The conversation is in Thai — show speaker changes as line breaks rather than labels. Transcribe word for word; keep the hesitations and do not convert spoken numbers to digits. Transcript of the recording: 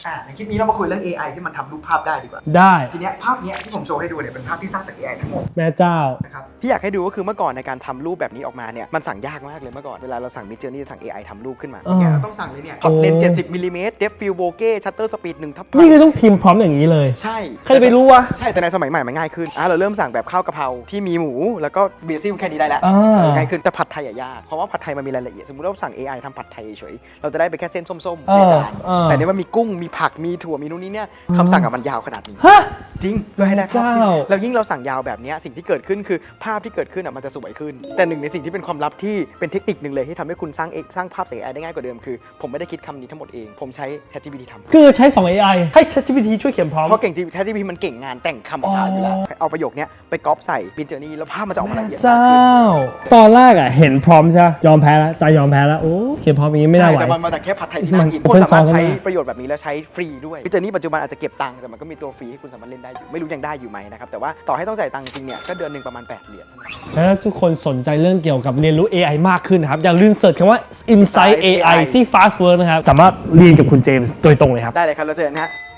อ่าในคลิปนี้เรามาคุยเรื่อง เอ ไอ ที่มันทำรูปภาพได้ดีกว่า
ได้
ทีเนี้ยภาพเนี้ยที่ผมโชว์ให้ดูเนี่ยเป็นภาพที่สร้างจาก เอ ไอ ทั้งหมด
แม่เจ้า
นะครับที่อยากให้ดูก็คือเมื่อก่อนในการทำรูปแบบนี้ออกมาเนี่ยมันสั่งยากมากเลยเมื่อก่อนเวลาเราสั่ง Midjourney จะสั่ง เอ ไอ ทำรูปขึ้นมาเนี่ยเราต้องสั่งเลยเนี่ยพอตเลนส์เจ็ดสิบมิลลิเมตร Depth Field Bokeh Shutter Speed หนึ่งทับ
นี่คือต้องพิมพ์พร้อมอย่างนี้เลย
ใช่
ใครไปรู้วะ
ใช่แต่ในสมัยใหม่มันง่ายขึ้นอ่ะเราเริ่มสั่งแบบข้าวกะเพราที่มีหมูแล้วก็เบซิลแค่นี้ได้แล้วง่ายขึ้นแต่ผัดไทยอะยากเพราะว่าผัดไทยมันมีรายละเอียดสมมติเราสั่ง เอ ไอ ทำผัดไทยเฉยเราจะได้ไปแค่เส้นส้มๆในจานแต่เนี่ยมันมีกุ้งมีผักมีถั่วมีนู่นนี่เนี่ยคำสั่งอะมันยาวขนาดนี้จริงเพื่อให้ได้ภาพที่แล้วยิ่งเราสั่งยาวแบบนี้สิ่งที่เกิดขึ้นคือภาพที่เกิดขึ้นอะมันจะสวยขึ้นแต่หนึ่งในสิ่งที่เป็นความลับที่เป็นเทคนิคหนึ่งเลยที่ทำให้คุณสร้างเองสร้างภาพจาก เอ ไอ ได้ง่ายกว่าเดิมคือผมไม่ได้คิดคำนี้ทั้งหมดเองผมใช้ ChatGPT ทำ
คือใช้สอง เอ ไอ ให้ ChatGPT ช่วยเขียนพร้อม
เพราะเก่งจริง ChatGPT มันเก่งงานแต่งคำภาษาอยู่แล้วเอาประโยคนี้ไปก๊อปใส่ Midjourney แล้วภาพมันจะออกมาละเอียด
เจ้าตอนแรกอ่ะเห็นพร้อมใช่ยอมแพ้แล้วใจยอมแพ้แล้วโอ้เขียนพร้อมอย่างนี้ไม่ได้ไหว
แต่มันมาจากแค่ผัดไทยที่น่ากินคนสามารถใช้ประโยชน์แบบนี้แล้วใช้ฟรีด้วย Midjourney ปัจจุบันอาจจะเก็บตังค์แต่มันก็มีตัวฟรีให้คุณสามารถเล่นได้อยู่ไม่รู้ยังได้อยู่ไหมนะครับแต่ว่าต่อให้ต้องจ่ายตังค์จริงเนี่ยก็เดือนหนึ่งประมาณแปดเหรียญ
ถ้าทุกคนสนใจเรื่องเกี่ยวกับเรียนรู้ เอ ไอ มากขึ้นนะครับอย่าลืมเสิร์ชคำว่า Insight เอ ไอ ที่ Fastwork นะครับสามารถเรียนกับคุณเจมส์โดยตรงเลยครับ
ได้เลยครับเราเจอกันฮะ